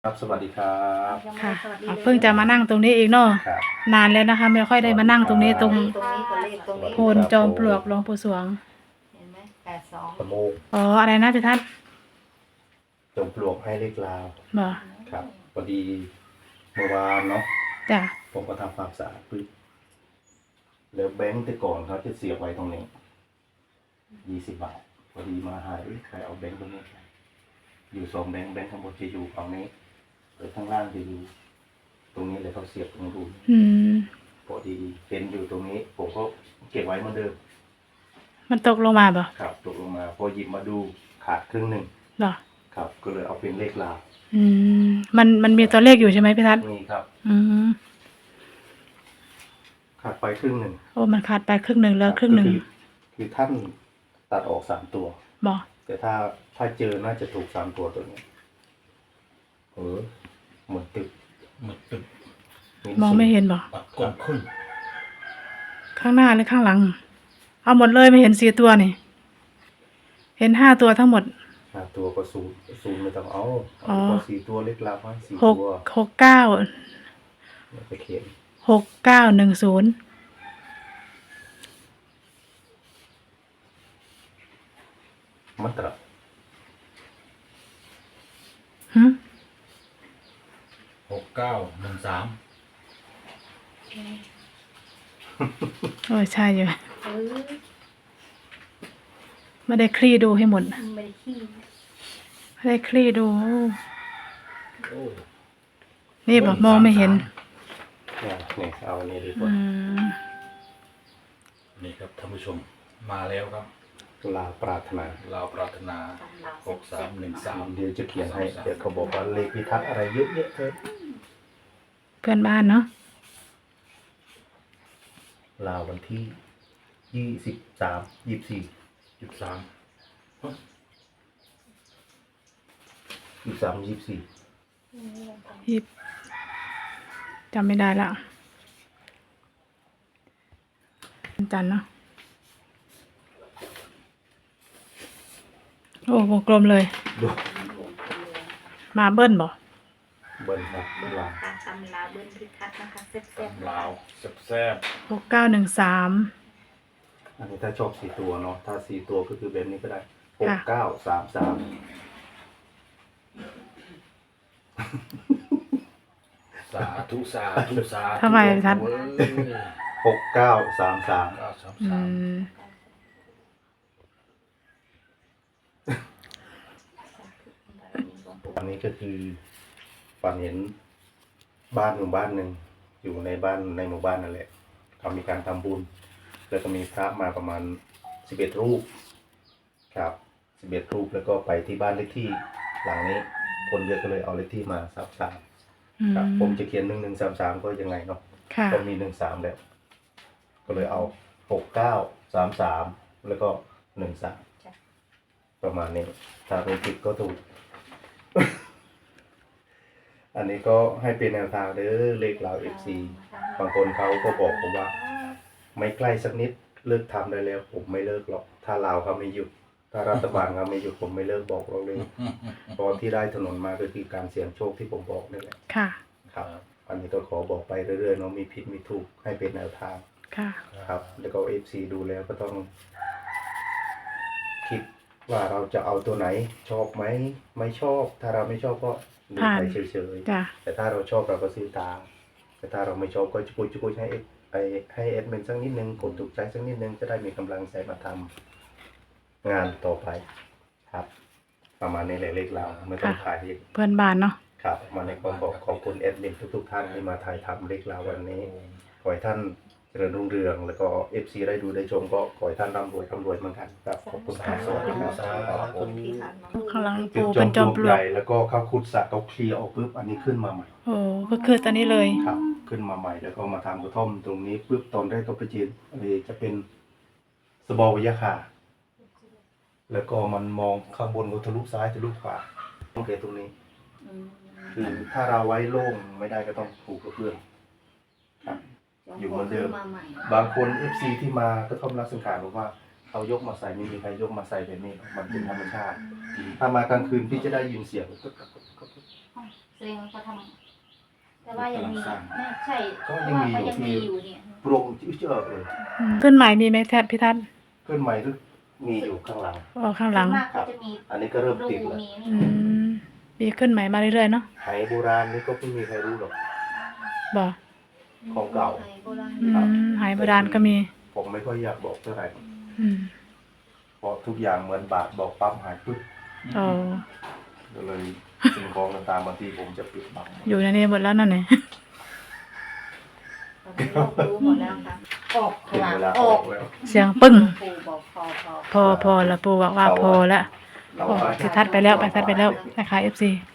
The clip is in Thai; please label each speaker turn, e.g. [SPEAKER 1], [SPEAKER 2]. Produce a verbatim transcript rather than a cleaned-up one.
[SPEAKER 1] ครับสวัสดีครับ
[SPEAKER 2] ค่ะเพิ่งจะมานั่งตรงนี้อีกเนาะนานแล้วนะคะไม่ค่อยได้มานั่งตรงนี้ตรง
[SPEAKER 3] ตรงนี้กับเลขตรงนี้
[SPEAKER 2] โพนจอมปลวกหลวงปู่สวง
[SPEAKER 3] เห็นไหมแปดสอง
[SPEAKER 1] สมูก
[SPEAKER 2] อ๋ออะไรนะพี่ทัศน์
[SPEAKER 1] จมปลวกให้เลขลาว
[SPEAKER 2] บ่
[SPEAKER 1] ครับพอดีเมื่อวานเนาะ
[SPEAKER 2] จ้ะ
[SPEAKER 1] ผมก็ทำความสะอาดปึ๊บแล้วแบงค์แต่ก่อนเขาจะเสียบไว้ตรงนี้ยี่สิบบาทพอดีมาหายใครเอาแบงค์ตรงนี้ไปอยู่สองแบงค์แบงค์ข้างบนจะอยู่ฝั่งนี้หรือข้างล่างจะอยู่ตรงนี้เลยเขาเสียบตรงรูน
[SPEAKER 2] อืม
[SPEAKER 1] พอดีเป็นอยู่ตรงนี้ผมก็เก็บไว้เหมือนเดิม
[SPEAKER 2] มันตกลงมาบ่
[SPEAKER 1] ครับตกลงมาพอหยิบมาดูขาดครึ่งหนึ่ง
[SPEAKER 2] เหรอ
[SPEAKER 1] ครับก็เลยเอาเป็นเลขลาว
[SPEAKER 2] อืมมันมันมีตัวเลขอยู่ใช่ไหมพี่ทัศน์
[SPEAKER 1] มีครับ
[SPEAKER 2] อืม
[SPEAKER 1] ขาดไปครึ่งหนึ่ง
[SPEAKER 2] โอ้มันขาดไปครึ่งหนึ่งแล้วครึ่งหนึ่ง
[SPEAKER 1] คือท่านตัดออกสามตัว
[SPEAKER 2] บ่
[SPEAKER 1] แต่ถ้าถ้าเจอน่าจะถูกสามตัวตัวนี้เออเหมือนตึก
[SPEAKER 4] เหมือนตึก
[SPEAKER 2] มองไม่เห็นบ่
[SPEAKER 4] ปัดกลมขึ้น
[SPEAKER 2] ข้างหน้าหรือข้างหลังเอาหมดเลยไม่เห็นสี่ตัวนี่เห็นห้าตัวทั้งหมด
[SPEAKER 1] ห้าตัวก็ศูนย์ศูนย์ไม่ต้องเอาเอาสี่ตัวเล็กลาไว้สี่
[SPEAKER 2] หก
[SPEAKER 1] ตัว
[SPEAKER 2] หกเก้า
[SPEAKER 1] ไปเขียน
[SPEAKER 2] หกเก้าหนึ่งศูนย์
[SPEAKER 1] มัตระ
[SPEAKER 2] ฮึ
[SPEAKER 4] หกเก้าหนึ่งสาม
[SPEAKER 2] โอ้ใช่อยู่
[SPEAKER 3] เออ
[SPEAKER 2] ไม่ได้คลี่ดูให้หมด
[SPEAKER 3] ไม่ได้ขี้
[SPEAKER 2] ไม่ได้คลี่ดู
[SPEAKER 4] โอ้
[SPEAKER 2] นี่บอกมองไม่เห็น
[SPEAKER 1] เนี่ยเนี่ยเอาอันนี้ดีก
[SPEAKER 2] อื
[SPEAKER 1] ว่าม
[SPEAKER 4] นี่ครับท่านผู้ชมมาแล้วครับ
[SPEAKER 1] ลาปรารถนา
[SPEAKER 4] เราปรารถนาหกสามหนึ่งสาม
[SPEAKER 1] เดี๋ยวจะเขียนให้เดี๋ยวเขาบอกว่าเลขพิทักษ์อะไรเยอะแยะเธอ
[SPEAKER 2] เพื่อนบ้านเนาะ
[SPEAKER 1] ลาวันที่ยี่สิบสามยี่สิบสี่
[SPEAKER 4] ยี่สิบสาม
[SPEAKER 1] ยี่สิบสามยี่สิบสี่
[SPEAKER 2] ยิบจำไม่ได้ละจันเนาะโอ้วงกลมเลยมาเบิ้ลบ่
[SPEAKER 1] เบิ้ลครับลา
[SPEAKER 3] ตำลาเบิ้ลพิทักษ์นะคะแซ่บ
[SPEAKER 4] ลาวแซ่บ
[SPEAKER 2] หกเก้าหนึ่งสาม
[SPEAKER 1] อันนี้ถ้าชอบสี่ตัวเนาะถ้าสี่ตัวก็คือแบบนี้ก็ได้หกเก้าสามสาม
[SPEAKER 4] สาธุสาธุสาธุ
[SPEAKER 2] ทำไมทัด
[SPEAKER 1] หกเก้าสามสาม
[SPEAKER 2] อืม
[SPEAKER 1] อันนี้ก็คือฝันเห็นบ้านหมู่บ้านหนึ่งอยู่ในบ้านในหมู่บ้านนั่นแหละเขามีการทำบุญแล้วก็มีพระมาประมาณสิบเอ็ดรูปครับสิบเอ็ดรูปแล้วก็ไปที่บ้านเลขที่หลังนี้คนเยอะก็เลยเอาเลขที่มาสามสามครับผมจะเขียนหนึ่งหนึ่งสามสามก็ยังไงเนาะก็มีหนึ่งสามแล้วก็เลยเอาหกเก้าสามสามแล้วก็หนึ่งสามประมาณนี้ถ้าเป็นผิดก็ถูก อันนี้ก็ให้เป็นแนวทางเด้อเลขเราเอฟซีบางคนเขาก็บอกผมว่าไม่ใกล้สักนิดเลิกทำได้แล้วผมไม่เลิกหรอกถ้าลาวเขาไม่หยุดถ้ารัฐบาลเขาไม่หยุดผมไม่เลิกบอกเราเลยตอนที่ได้ถนนมาก็คือการเสี่ยงโชคที่ผมบอกนี่แหละ
[SPEAKER 2] ค่ะ
[SPEAKER 1] ครับอันนี้ก็ขอบอกไปเรื่อยๆเนาะมีผิดมีถูกให้เป็นแนวทาง
[SPEAKER 2] ค่ะ
[SPEAKER 1] ครับแล้วก็เอฟซีดูแล้วก็ต้องคิดว่าเราจะเอาตัวไหนชอบไหมไม่ชอบถ้าเราไม่ชอบก็ดูไปเฉยๆแต่ถ้าเราชอบเราก็ซื้อตามแต่ถ้าเราไม่ชอบก็จุกุยจุกุยให้ไอให้เอดมินสักนิดนึงกดถูกใจสักนิดนึงจะได้มีกำลังใจมาทำงานต่อไปครับประมาณนี้แหละเลขเราไม่ต้องถ่าย
[SPEAKER 2] เพื่อนบ้านเนาะ
[SPEAKER 1] ครับมาในก็ขอขอบคุณเอดมินทุกๆท่านที่มาถ่ายทำเลขเราวันนี้ขอให้ท่านเจริญรุ่งเรืองแล้วก็เอฟซีได้ดูได้ชมก็ขอให้ท่านร่ำรวยร่ำรวยเหมือนกันครับขอบคุณครับสวัสดีครับ
[SPEAKER 2] ข้างหลังปูเป็นจอมปลวกใหญ่
[SPEAKER 1] แล้วก็ข้าวคุดสะเขาเคลียร์ออกปุ๊บอันนี้ขึ้นมาใหม่
[SPEAKER 2] โอ้ก็คือตอนนี้เลย
[SPEAKER 1] ครับขึ้นมาใหม่แล้วก็มาทำกระท่อมตรงนี้ปุ๊บตอนแรกก็ไปจีนอะไรจะเป็นสบอวิยาคาแล้วก็มันมองข้างบนก็ทะลุซ้ายทะลุขวาต้องเกตตรงนี้คือถ้าเราไว้โล่งไม่ได้ก็ต้องผูกกระเพื่อมครับอยู่เหมือนเดิมบางคน เอฟ ซี ที่มาก็ท่อมรักสังขารบอกว่าเขายกมาใส่ไม่มีใครยกมาใส่แบบนี้มันเป็นธรรมชาติถ้ามากลางคืนพี่จะได้ยินเสียง
[SPEAKER 3] แสดตัวเองเขาทำแต่ว่ายังมีน่าใช่
[SPEAKER 1] ก็
[SPEAKER 3] เพ
[SPEAKER 1] ยั
[SPEAKER 3] ราะ
[SPEAKER 1] ง
[SPEAKER 3] ว่า
[SPEAKER 1] มีอ
[SPEAKER 3] เขา
[SPEAKER 1] ยู่
[SPEAKER 3] ยังมี
[SPEAKER 1] ที่
[SPEAKER 3] อยู่เนี่ย
[SPEAKER 1] โปรงเจอเลย
[SPEAKER 2] อืมขึ้นใหม่มีไหมแทบพี่ทัศน์
[SPEAKER 1] เพื่อนใหม่ก็มีอยู่ข้างหลัง
[SPEAKER 2] อ๋อข้างหลัง
[SPEAKER 3] ส่วนมากเขาจะมี
[SPEAKER 1] อันนี้ก็เริ่ม
[SPEAKER 3] รู
[SPEAKER 1] ติดแล้ว
[SPEAKER 3] มีนี่
[SPEAKER 2] อืมมีขึ้นใหม่มาเรื่อยๆเนาะ
[SPEAKER 1] ไหโบราณนี่ก็ไม่มีใครรู้หรอก
[SPEAKER 2] บ่
[SPEAKER 1] ของเก่า
[SPEAKER 3] ไทยโบราณ
[SPEAKER 2] อืมหายโบราณก็มี
[SPEAKER 1] ผมไม่ค่อยอยากบอกเท่าไหร่
[SPEAKER 2] อืม
[SPEAKER 1] เพราะทุกอย่างเหมือนบาทบอกปั๊บหายปึ๊บ
[SPEAKER 2] โอ้
[SPEAKER 1] ก็เลยสิ่งของต่างๆบางทีผมจะปิดบัง
[SPEAKER 2] อยู่ในนี้หมดแล้วนั่นนี่
[SPEAKER 3] ตอนนี้โลกรู้หมดแล้วค่ะออก
[SPEAKER 1] ถึง
[SPEAKER 3] ค่ะ
[SPEAKER 1] เวลา
[SPEAKER 3] อ
[SPEAKER 1] อ
[SPEAKER 3] อ
[SPEAKER 1] อก กแล้ว
[SPEAKER 2] เสียงปึ้ง
[SPEAKER 3] ปู่บอกพอพอ
[SPEAKER 2] พอพอแล้วปูบอกว่าพอแล้ว
[SPEAKER 1] เรา
[SPEAKER 2] โอ้
[SPEAKER 1] ไป
[SPEAKER 2] พี่ทัดไปแล้วไปทัดไปแล้วนะคะเอฟซี